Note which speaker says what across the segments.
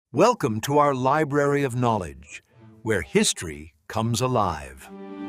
Speaker 1: Welcome to our Library of Knowledge, where history comes alive.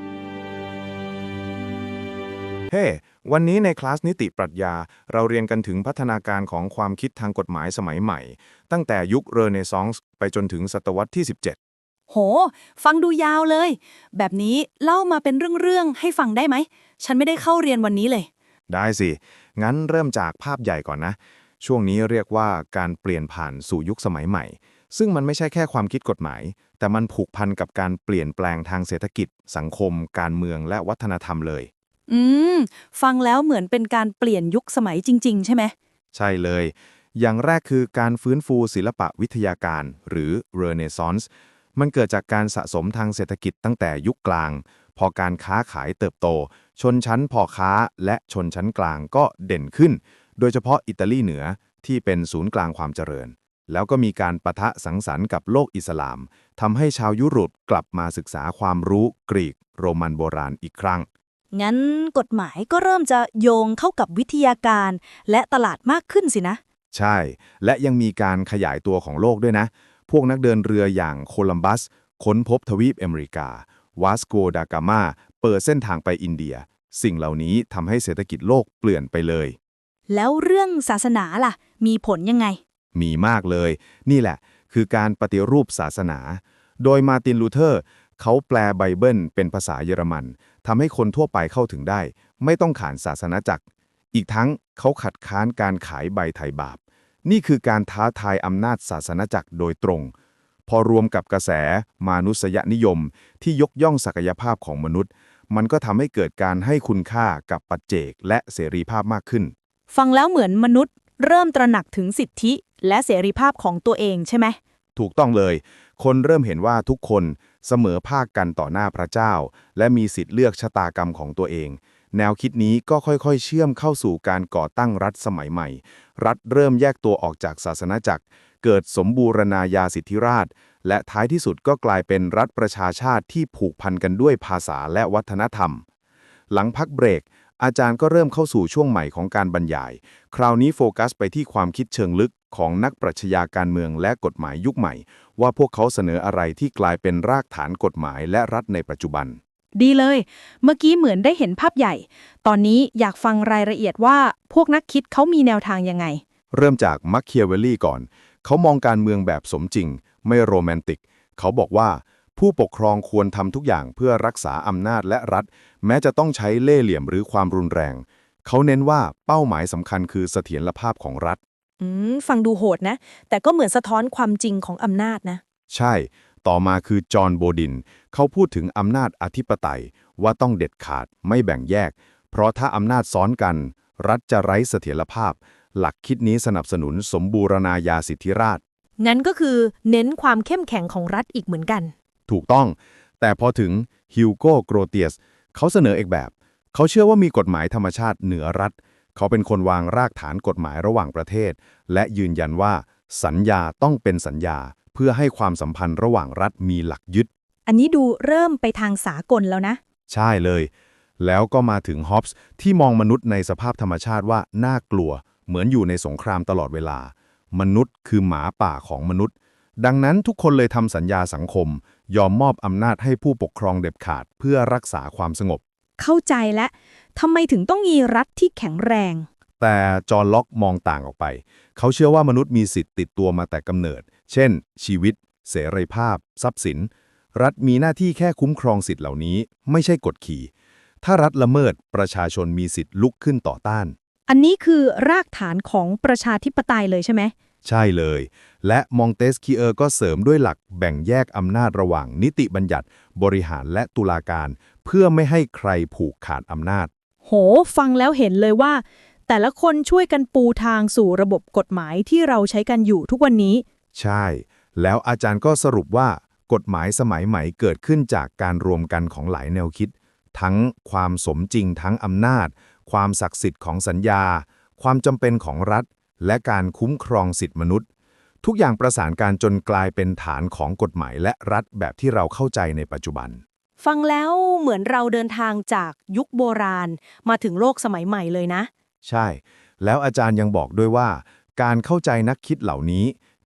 Speaker 2: เฮ้ วันนี้ในคลาสนิติปรัชญาเราเรียนกันถึงพัฒนาการของความคิดทางกฎหมายสมัยใหม่ ตั้งแต่ยุคเรเนซองส์ไปจนถึงศตวรรษที่ 17
Speaker 3: โห ฟังดูยาวเลย แบบนี้เล่ามาเป็นเรื่องๆให้ฟังได้ไหม ฉันไม่ได้เข้าเรียนวันนี้เลย
Speaker 2: ได้สิ งั้นเริ่มจากภาพใหญ่ก่อนนะ ช่วงนี้เรียกว่าการเปลี่ยนผ่านสู่ยุคสมัยใหม่ ซึ่งมันไม่ใช่แค่ความคิดกฎหมาย แต่มันผูกพันกับการเปลี่ยนแปลงทางเศรษฐกิจ สังคม การเมืองและวัฒนธรรมเลย
Speaker 3: อืม ฟังแล้วเหมือนเป็นการเปลี่ยนยุคสมัยจริงๆ ใช่ไหม
Speaker 2: ใช่เลย อย่างแรกคือการฟื้นฟูศิลปะวิทยาการหรือเรเนซองส์มันเกิดจากการสะสมทางเศรษฐกิจตั้งแต่ยุคกลาง พอการค้าขายเติบโต ชนชั้นพ่อค้าและชนชั้นกลางก็เด่นขึ้น โดยเฉพาะอิตาลีเหนือที่เป็นศูนย์กลางความเจริญ แล้วก็มีการปะทะสังสรรค์กับโลกอิสลามทำให้ชาวยุโรปกลับมาศึกษาความรู้กรีกโรมันโบราณอีกครั้ง
Speaker 3: งั้นกฎหมายก็เริ่มจะโยงเข้ากับวิทยาการและตลาดมากขึ้นสินะ
Speaker 2: ใช่ และยังมีการขยายตัวของโลกด้วยนะ พวกนักเดินเรืออย่างโคลัมบัสค้นพบทวีปอเมริกาวาสโกดากามาเปิดเส้นทางไปอินเดีย สิ่งเหล่านี้ทำให้เศรษฐกิจโลกเปลี่ยนไปเลย
Speaker 3: แล้วเรื่องศาสนาล่ะ มีผลยังไง
Speaker 2: มีมากเลย นี่แหละคือการปฏิรูปศาสนา โดยมาร์ตินลูเทอร์เขาแปลไบเบิลเป็นภาษาเยอรมันทำให้คนทั่วไปเข้าถึงได้ ไม่ต้องขานศาสนาจักร อีกทั้งเขาขัดค้านการขายใบไถ่บาป นี่คือการท้าทายอำนาจศาสนาจักรโดยตรง พอรวมกับกระแสมานุษยนิยมที่ยกย่องศักยภาพของมนุษย์ มันก็ทำให้เกิดการให้คุณค่ากับปัจเจกและเสรีภาพมากขึ้น
Speaker 3: ฟังแล้วเหมือนมนุษย์เริ่มตระหนักถึงสิทธิและเสรีภาพของตัวเองใช่ไหม
Speaker 2: ถูกต้องเลย คนเริ่มเห็นว่าทุกคนเสมอภาคกันต่อหน้าพระเจ้า และมีสิทธิ์เลือกชะตากรรมของตัวเอง แนวคิดนี้ก็ค่อยๆ เชื่อมเข้าสู่การก่อตั้งรัฐสมัยใหม่ รัฐเริ่มแยกตัวออกจากศาสนาจักร เกิดสมบูรณาญาสิทธิราชย์และท้ายที่สุดก็กลายเป็นรัฐประชาชาติที่ผูกพันกันด้วยภาษาและวัฒนธรรม หลังพักเบรก อาจารย์ก็เริ่มเข้าสู่ช่วงใหม่ของการบรรยาย คราวนี้โฟกัสไปที่ความคิดเชิงลึกของนักปรัชญาการเมืองและกฎหมายยุคใหม่ ว่าพวกเขาเสนออะไรที่กลายเป็นรากฐานกฎหมายและรัฐในปัจจุบัน
Speaker 3: ดีเลย เมื่อกี้เหมือนได้เห็นภาพใหญ่ ตอนนี้อยากฟังรายละเอียดว่าพวกนักคิดเขามีแนวทางยังไง
Speaker 2: เริ่มจากมัคเคียเวลลี่ก่อน เขามองการเมืองแบบสมจริง ไม่โรแมนติก เขาบอกว่าผู้ปกครองควรทำทุกอย่างเพื่อรักษาอำนาจและรัฐ แม้จะต้องใช้เล่ห์เหลี่ยมหรือความรุนแรง เขาเน้นว่าเป้าหมายสำคัญคือเสถียรภาพของรัฐ
Speaker 3: ฟังดูโหดนะ แต่ก็เหมือนสะท้อนความจริงของอำนาจนะ
Speaker 2: ใช่ ต่อมาคือจอห์นโบดิน เขาพูดถึงอำนาจอธิปไตยว่าต้องเด็ดขาดไม่แบ่งแยก เพราะถ้าอำนาจซ้อนกัน รัฐจะไร้เสถียรภาพ หลักคิดนี้สนับสนุนสมบูรณาญาสิทธิราชย์
Speaker 3: งั้นก็คือเน้นความเข้มแข็งของรัฐอีกเหมือนกัน
Speaker 2: ถูกต้อง แต่พอถึงฮิวโก้โกรเตียสเขาเสนออีกแบบ เขาเชื่อว่ามีกฎหมายธรรมชาติเหนือรัฐ เขาเป็นคนวางรากฐานกฎหมายระหว่างประเทศ และยืนยันว่าสัญญาต้องเป็นสัญญา เพื่อให้ความสัมพันธ์ระหว่างรัฐมีหลักยึด
Speaker 3: อันนี้ดูเริ่มไปทางสากลแล้วนะ
Speaker 2: ใช่เลย แล้วก็มาถึงฮอปส์ที่มองมนุษย์ในสภาพธรรมชาติว่าน่ากลัว เหมือนอยู่ในสงครามตลอดเวลา มนุษย์คือหมาป่าของมนุษย์ ดังนั้นทุกคนเลยทำสัญญาสังคม ยอมมอบอำนาจให้ผู้ปกครองเด็ดขาดเพื่อรักษาความสงบ
Speaker 3: เข้าใจแล้วทำไมถึงต้องมีรัฐที่แข็งแรง
Speaker 2: แต่จอห์นล็อกมองต่างออกไป เขาเชื่อว่ามนุษย์มีสิทธิ์ติดตัวมาแต่กำเนิด เช่น ชีวิต เสรีภาพ ทรัพย์สิน รัฐมีหน้าที่แค่คุ้มครองสิทธิ์เหล่านี้ ไม่ใช่กดขี่ ถ้ารัฐละเมิดประชาชนมีสิทธิ์ลุกขึ้นต่อต้าน
Speaker 3: อันนี้คือรากฐานของประชาธิปไตยเลยใช่ไหม
Speaker 2: ใช่เลย และมองเตสคีเออร์ก็เสริมด้วยหลักแบ่งแยกอำนาจระหว่างนิติบัญญัติ บริหารและตุลาการ เพื่อไม่ให้ใครผูกขาดอำนาจ
Speaker 3: โห ฟังแล้วเห็นเลยว่า แต่ละคนช่วยกันปูทางสู่ระบบกฎหมายที่เราใช้กันอยู่ทุกวันนี้
Speaker 2: ใช่ แล้วอาจารย์ก็สรุปว่ากฎหมายสมัยใหม่เกิดขึ้นจากการรวมกันของหลายแนวคิด ทั้งความสมจริงทั้งอำนาจ ความศักดิ์สิทธิ์ของสัญญา ความจำเป็นของรัฐ และการคุ้มครองสิทธิมนุษย์ ทุกอย่างประสานการจนกลายเป็นฐานของกฎหมายและรัฐแบบที่เราเข้าใจในปัจจุบัน
Speaker 3: ฟังแล้วเหมือนเราเดินทางจากยุคโบราณมาถึงโลกสมัยใหม่เลยนะ
Speaker 2: ใช่ แล้วอาจารย์ยังบอกด้วยว่า การเข้าใจนักคิดเหล่านี้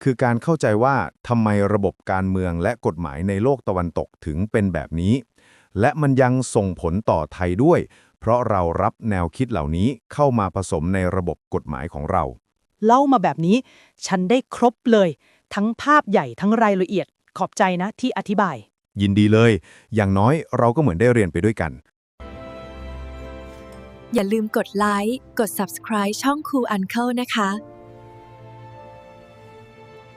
Speaker 2: คือการเข้าใจว่าทำไมระบบการเมืองและกฎหมายในโลกตะวันตกถึงเป็นแบบนี้ และมันยังส่งผลต่อไทยด้วย เพราะเรารับแนวคิดเหล่านี้เข้ามาผสมในระบบกฎหมายของเรา
Speaker 4: เล่ามาแบบนี้ ฉันได้ครบเลย ทั้งภาพใหญ่ทั้งรายละเอียด ขอบใจนะที่อธิบาย
Speaker 2: ยินดีเลย อย่างน้อยเราก็เหมือนได้เรียนไปด้วยกัน
Speaker 5: อย่าลืมกดไลค์ กด Subscribe ช่อง Cool Uncle นะคะ